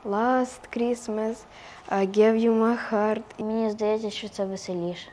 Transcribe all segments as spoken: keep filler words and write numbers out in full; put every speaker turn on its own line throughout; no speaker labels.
Last Christmas I gave you my heart.
І мені здається, що це веселіше.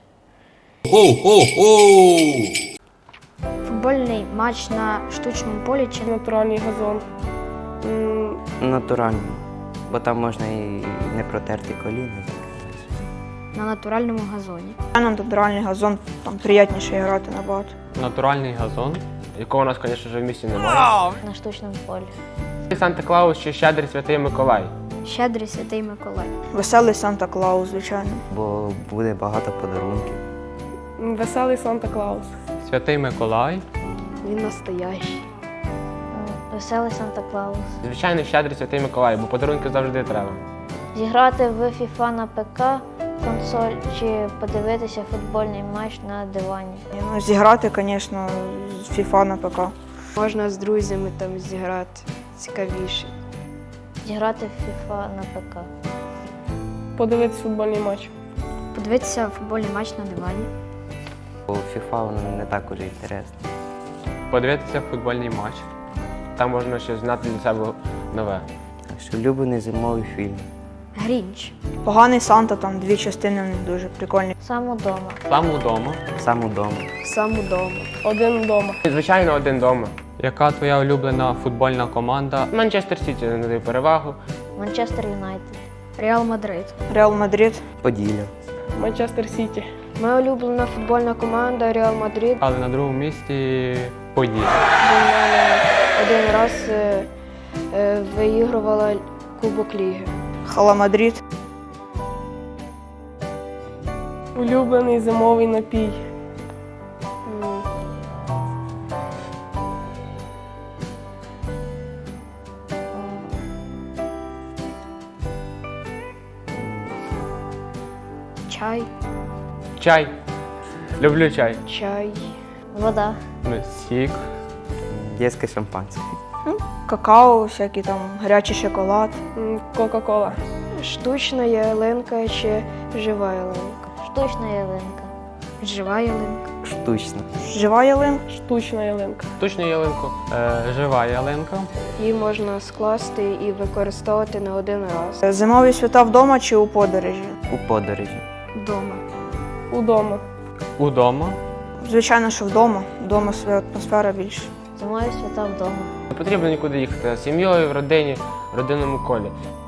Футбольний матч на штучному полі чи
Натуральний газон. М,
Натурально, бо там можна і не протерти коліна.
на натуральному газоні.
На натуральний газон там приємніше грати набагато.
Натуральний газон, якого у нас, звісно, в місті немає.
На штучному полі.
Санта-Клаус чи Щедрий Святий Миколай.
Щедрий Святий Миколай.
Веселий Санта-Клаус, звичайно.
Бо буде багато подарунків.
Веселий Санта-Клаус.
Святий Миколай.
Він настоящий.
М, Веселий Санта-Клаус.
Звичайно, Щедрий Святий Миколай, бо подарунки завжди треба.
Зіграти в FIFA на ПК, консоль чи подивитися футбольний матч на дивані.
Ну, зіграти, звісно, з FIFA на ПК.
Можна з друзями там зіграти. Цікавіше.
Зіграти в FIFA на ПК.
Подивитись футбольний матч.
Подивитися футбольний матч на дивані.
Бо FIFA воно не так уже інтересно.
Подивитися футбольний матч. Там можна щось знати для себе нове.
Так що улюблений зимовий фільм.
Грінч.
Поганий Санта, там дві частини в них дуже прикольні.
Сам удома.
Сам удома.
Сам удома.
Сам удома.
Один вдома.
Звичайно, один вдома. Яка твоя улюблена футбольна команда? Манчестер Сіті надає перевагу.
Манчестер Юнайтед.
Реал Мадрид.
Реал Мадрид.
Поділля.
Манчестер Сіті.
Моя улюблена футбольна команда Реал Мадрид.
Але на другому місці Поділля.
Бо в мене один раз е, е, виігрувала Кубок Ліги.
Хала Мадрид.
Улюблений зимовий напій.
М. Чай.
Чай. Люблю чай.
Чай.
Вода.
Ну, Сік.
Дєтське шампанське.
Какао, всякий там гарячий шоколад.
М, Кока-кола.
Штучна ялинка чи жива ялинка?
Штучна ялинка.
Жива ялинка.
Штучно.
Жива ялинка.
Штучна ялинка.
Штучну ялинку. Е, жива ялинка.
Її можна скласти і використовувати не один раз.
Зимові свята вдома чи у подорожі?
У подорожі.
Вдома.
Удома.
Удома.
Звичайно, що вдома. Вдома своя атмосфера більше.
Зимові свята вдома.
Не потрібно нікуди їхати. З сім'єю, в родині, в родинному колі.